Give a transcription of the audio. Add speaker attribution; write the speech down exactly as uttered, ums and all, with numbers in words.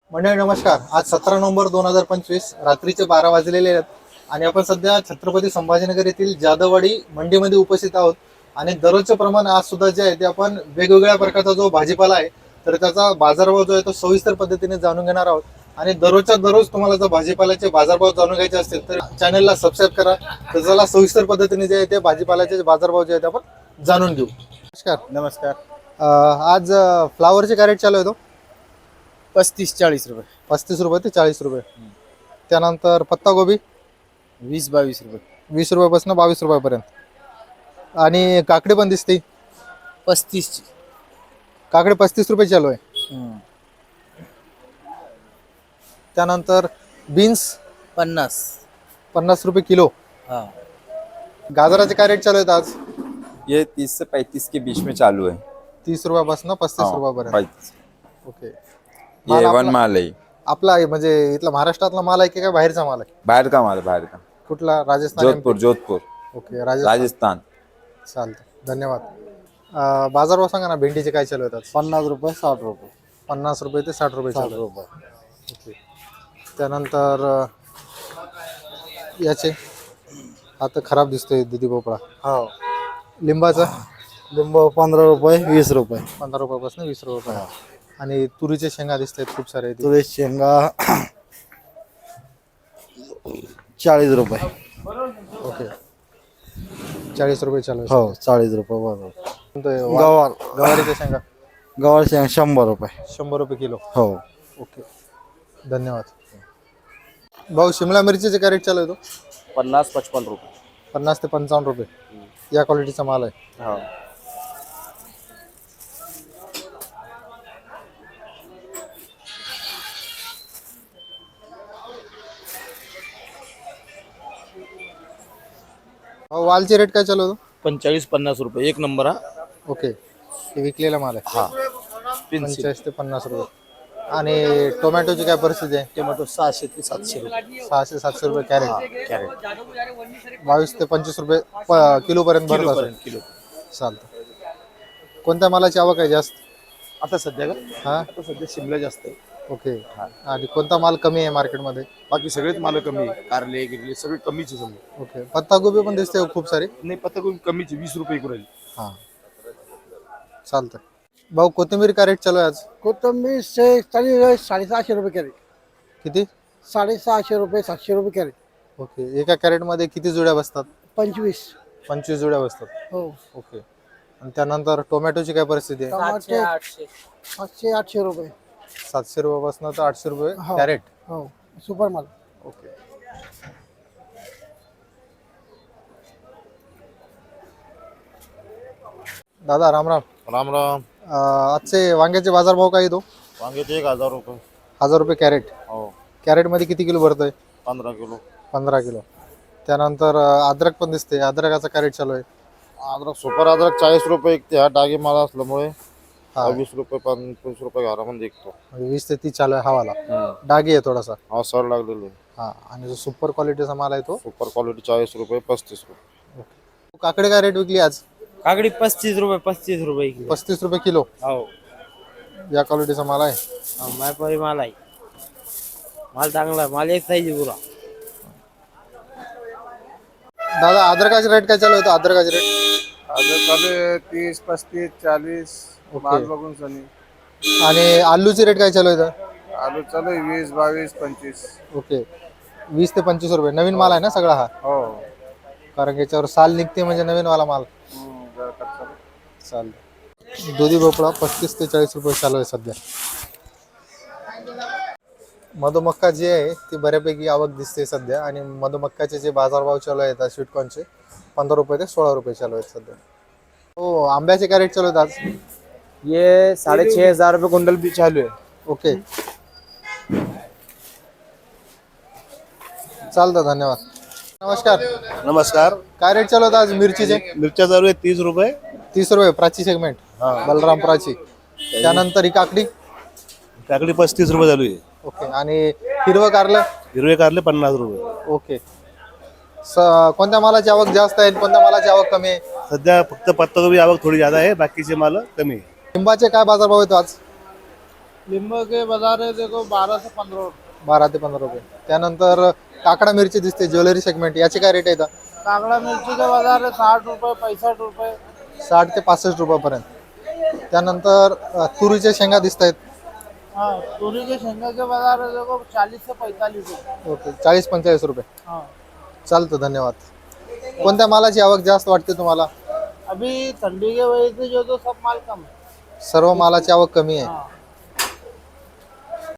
Speaker 1: मंडळी नमस्कार. आज सतरा नोव्हेंबर दोन हजार पंचवीस रात्रीचे बारा वाजलेले आहेत आणि आपण सध्या छत्रपती संभाजीनगर येथील जाधववाडी मंडीमध्ये उपस्थित आहोत. आणि दररोजचे प्रमाण आज सुद्धा जे आहे ते आपण वेगवेगळ्या प्रकारचा जो भाजीपाला आहे तर त्याचा बाजारभाव जो आहे तो सविस्तर पद्धतीने जाणून घेणार आहोत. आणि दररोजच्या दररोज तुम्हाला जर भाजीपाल्याचे बाजारभाव जाणून घ्यायचे असतील तर चॅनलला सबस्क्राईब करा. तर चला सविस्तर पद्धतीने जे आहे ते भाजीपाल्याचे बाजारभाव जे आहेत ते आपण जाणून घेऊ. नमस्कार.
Speaker 2: नमस्कार.
Speaker 1: अं, आज फ्लावरचे काय रेट चालू आहे तो?
Speaker 2: पस्तीस चाळीस रुपये.
Speaker 1: पस्तीस रुपये ते चाळीस रुपये. त्यानंतर पत्ता गोबी
Speaker 2: वीस बावीस रुपये.
Speaker 1: वीस रुपयापासून बावीस रुपयापर्यंत. आणि काकडी पण दिसते,
Speaker 2: पस्तीस ची
Speaker 1: काकडी पस्तीस रुपये चालू आहे. त्यानंतर बीन्स
Speaker 2: पन्नास.
Speaker 1: पन्नास रुपये किलो.
Speaker 2: हाँ,
Speaker 1: गाजराचे काय रेट चालू आहेत आज?
Speaker 3: ये तीस से पैंतीस के बीच में चालू है।
Speaker 1: तीस रुपयापासून पस्तीस
Speaker 3: हाँ,
Speaker 1: रुपयापर्यंत.
Speaker 3: पैंतीस।
Speaker 1: ओके.
Speaker 3: ये
Speaker 1: माल
Speaker 3: वन
Speaker 1: आपला-
Speaker 3: माल है,
Speaker 1: आपला आहे म्हणजे इथला महाराष्ट्रातला माल आहे की काय बाहेरचा माल आहे?
Speaker 3: बाहर का माल है, बाहर का।
Speaker 1: कुठला? राजस्थान?
Speaker 3: जोधपुर जोधपुर
Speaker 1: ओके, राजस्थान.
Speaker 3: राजस्थान।
Speaker 1: चालतं, धन्यवाद. अं, बाजारभाव सांगा ना, भेंडीचे काय चालू आहेत आज?
Speaker 2: पन्नास रुपये साठ रुपये.
Speaker 1: पन्नास रुपये ते साठ रुपये
Speaker 2: साठ
Speaker 1: चालू आहे.
Speaker 2: रुपये.
Speaker 1: ओके. त्यानंतर अं, याचे आता खराब दिसतोय दुधी भोपळा.
Speaker 2: हो,
Speaker 1: लिंबाचा
Speaker 2: लिंबू पंधरा रुपये वीस रुपये.
Speaker 1: पंधरा रुपयापासून वीस रुपये. आणि तुरीचे शेंगा दिसत आहेत खूप सारे.
Speaker 2: तुळे शेंगा चाळीस रुपये.
Speaker 1: ओके, चाळीस रुपये चालू आहे.
Speaker 2: हो, चाळीस रुपये बरोबर.
Speaker 1: कोणतं वा-
Speaker 2: गवार
Speaker 1: गवारीच्या शेंगा
Speaker 2: गवार शेंगा शंभर रुपये.
Speaker 1: शंभर रुपये किलो.
Speaker 2: हो,
Speaker 1: ओके, धन्यवाद. भाऊ, शिमला मिरचीचे काय रेट चालू आहे तो?
Speaker 2: पन्नास पचपन रुपये.
Speaker 1: पन्नास ते पंचावन्न रुपये. या क्वालिटीचा माल आहे.
Speaker 2: हो,
Speaker 1: भाऊ, वालचे रेट काय चालू आहे तो?
Speaker 2: पंचेचाळीस पन्नास रुपये एक नंबर. हा,
Speaker 1: ओके, हे विकलेला माल आहे.
Speaker 2: हा. पेन्सिल
Speaker 1: पंचेचाळीस ते पन्नास रुपये. आणि टोमॅटोची काय परिस्थिती आहे?
Speaker 2: टोमॅटो सहाशे ते सातशे रुपये
Speaker 1: सहाशे सातशे रुपये कॅरेट.
Speaker 2: कॅरेट.
Speaker 1: बावीस ते पंचवीस रुपये प- किलो पर्यंत भरत असेल.
Speaker 2: किलो.
Speaker 1: चालतं. कोणत्या मालाची आवक आहे जास्त?
Speaker 2: आता सध्या का
Speaker 1: हा,
Speaker 2: आता सध्या शिमला जास्त आहे.
Speaker 1: ओके. आणि कोणता माल कमी आहे मार्केटमध्ये?
Speaker 2: बाकी सगळेच माल कमी आहे. कारले गिरले सगळे कमीचे समजा.
Speaker 1: ओके. पत्तागोबी पण दिसते खूप सारी.
Speaker 2: नाही, पत्ता कोबी कमीचे वीस रुपये इकडे राहील.
Speaker 1: हां, चालतं. भाऊ, कोथिंबीर का रेट चालू आहे आज?
Speaker 4: कोथंबीर से चालीस साडेसहाशे रुपये कॅरेट.
Speaker 1: किती?
Speaker 4: साडेसहाशे रुपये सातशे रुपये कॅरेट.
Speaker 1: ओके. एका कॅरेटमध्ये किती जुड्या बसतात?
Speaker 4: पंचवीस.
Speaker 1: पंचवीस जुड्या बसतात.
Speaker 4: हो,
Speaker 1: ओके. आणि त्यानंतर टोमॅटोची काय परिस्थिती आहे?
Speaker 4: टमाटे सातशे आठशे रुपये.
Speaker 1: सातशे रुपयापासून तर आठशे रुपये
Speaker 4: हो.
Speaker 1: कॅरेट.
Speaker 4: हो, सुपर माल.
Speaker 1: ओके. दादा, राम राम.
Speaker 2: राम राम.
Speaker 1: अं, आजचे वांग्याचे बाजारभाव काय येतो?
Speaker 2: वांग्याचे एक हजार रुपये.
Speaker 1: हजार रुपये कॅरेट.
Speaker 2: हो,
Speaker 1: कॅरेटमध्ये किती किलो भरतोय?
Speaker 2: पंधरा किलो.
Speaker 1: पंधरा किलो. त्यानंतर अं, अद्रक पण दिसते. अद्रकाचा काय रेट चालू आहे?
Speaker 2: अद्रक सुपर अद्रक चाळीस रुपये एक ते हा डागे माल असल्यामुळे
Speaker 1: हा,
Speaker 2: वीस रुपये पंचवीस रुपये घरामध्ये विकतो.
Speaker 1: म्हणजे वीस ते तीस चालू आहे हवाला. डागी आहे थोडासा.
Speaker 2: हा सर लागलेलो आहे.
Speaker 1: हा, आणि जो सुपर क्वालिटीचा माल आहे तो.
Speaker 2: सुपर क्वालिटी चाळीस रुपये पस्तीस रुपये.
Speaker 1: काकडे काय रेट विकली आज?
Speaker 5: काकडी पस्तीस रुपये पस्तीस रुपये किलो.
Speaker 1: पस्तीस रुपये किलो.
Speaker 5: हो,
Speaker 1: या क्वालिटीचा माल आहे.
Speaker 5: मायपारी माल आहे. माल चांगला आहे. माल एक साईज पुरा.
Speaker 1: दादा, अद्रकाचे रेट काय चालू होतं? अद्रकाचे रेट
Speaker 6: अद्रक चालू आहे तीस पस्तीस चाळीस
Speaker 1: ओके.
Speaker 6: माल बघून सनी.
Speaker 1: आणि आलूचे रेट काय चालू होतं?
Speaker 6: आलू चालू आहे वीस बावीस पंचवीस.
Speaker 1: ओके, वीस ते पंचवीस रुपये. नवीन माल आहे ना सगळा हा?
Speaker 6: हो.
Speaker 1: कारण की याच्यावर साल निघते म्हणजे नवीन वाला माल.
Speaker 6: हम्म, जरा कच्चा.
Speaker 1: चालेल. दुधी भोपळा पस्तीस ते चाळीस रुपये चालू आहे सध्या. मधुमक्का जी आहे ती बऱ्यापैकी आवक दिसते सध्या. आणि मधुमक्काचे जे बाजारभाव चालू आहेत आज स्वीटकॉर्नचे पंधरा रुपये ते सोळा रुपये चालू आहेत सध्या. हो, आंब्याचे काय रेट चालू आहेत आज?
Speaker 5: ये साढ़े छः हजार रुपये कुंटल भी चालू है.
Speaker 1: ओके, चालतं, धन्यवाद. नमस्कार.
Speaker 2: नमस्कार.
Speaker 1: काय रेट चालू होता आज मिरचीचे?
Speaker 2: मिरच्या चालू आहे तीस रुपये.
Speaker 1: तीस रुपये प्राची सेगमेंट. बलराम प्राची. त्यानंतर ही काकडी.
Speaker 2: काकडी पस्तीस रुपये चालू आहे.
Speaker 1: ओके. आणि हिरवं कारलं.
Speaker 2: हिरवे कारले पन्नास रुपये.
Speaker 1: ओके. स कोणत्या मालाची आवक जास्त आहे, कोणत्या मालाची आवक कमी आहे?
Speaker 2: सध्या फक्त पत्ताकोबी आवक थोडी ज्यादा आहे, बाकीचे माल कमी आहे.
Speaker 1: लिंबाचे काय बाजारभाव येतो आज?
Speaker 6: लींबू के बाजार है देखो बारह से पंद्रह रुपये।
Speaker 1: बारा ते पंधरा रुपये. त्यानंतर काकडा मिरची दिसते ज्वेलरी सेगमेंट, याचे काय रेट आहेत?
Speaker 6: कांगड़ा मिर्ची का बाजार है साठ रुपये पैंसठ रुपये।
Speaker 1: साठ ते पासष्ट रुपयापर्यंत. त्यानंतर अ, तुरीच्या शेंगा दिसत आहेत.
Speaker 6: हाँ तूरी के शेंगा के बाजार है देखो चालीस से पैंतालीस रुपये।
Speaker 1: ओके, चाळीस पंचेचाळीस रुपये.
Speaker 6: हाँ
Speaker 1: चालतं, धन्यवाद. कोणत्या मालाची आवक जास्त वाटते तुम्हाला?
Speaker 6: अभी ठंडी के वजह से जो तो सब माल कम है।
Speaker 1: सर्व मालाची आवक कमी आहे.
Speaker 6: हाँ